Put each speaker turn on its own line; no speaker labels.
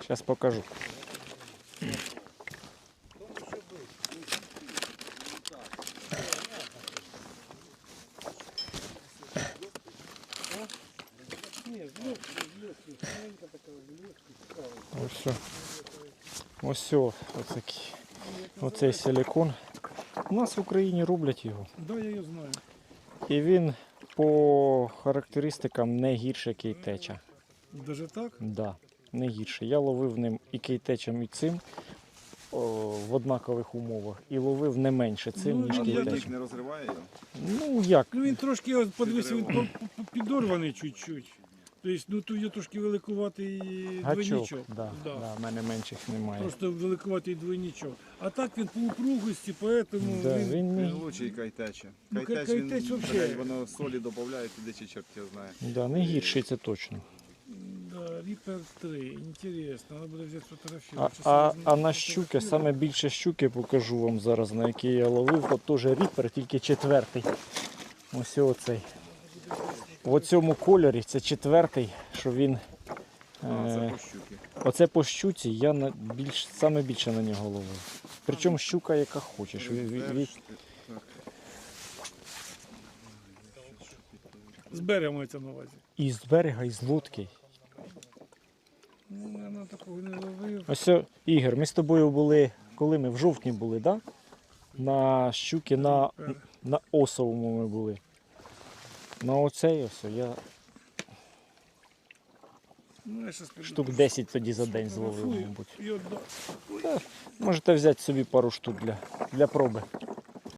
Зараз покажу. Ось оцей силикон. У нас в Україні роблять його.
Да, я його знаю.
І він по характеристикам не гірше кейтеча.
Даже так?
Да, не гірше. Я ловив ним і кейтечем, і цим в однакових умовах. І ловив не менше цим, ніж
я
кейтечем.
Не розриває його?
Ну як?
Ну він трошки, от подивися, він підорваний чуть-чуть. Тобто, ну тут є трошки великуватий двойничок.
Да, в мене менших немає.
Просто великуватий двойничок. А так він по упругості, поэтому
Да,
він...
він
Він лучший кайтеча.
Ну,
Кайтеч,
кайтеч вообще.
воно солі додає, туди чи чорт його знає.
да, не гірший, це точно.
Да, Reaper 3, інтересно, треба буде взяти фотографію.
А на щуки, саме більше щуки покажу вам зараз, на які я ловив. От теж ріпер, тільки четвертий. Ось оцей. В цьому кольорі це четвертий, що він...
Це по щуки.
Оце по щуці я саме більше на нього ловив. Причому щука яка хочеш.
З берега мається на увазі.
І з берега, і з лодки.
Ну, я такого не ловив.
Ось, Ігор, ми з тобою були, коли ми в жовтні були, да? На щуки, на осовому ми були. На оцей ось я
Ну, я щас піду
штук 10 тоді за день зловив,
сфотографую
мабуть.
і віддам.
Можете взяти собі пару штук для проби.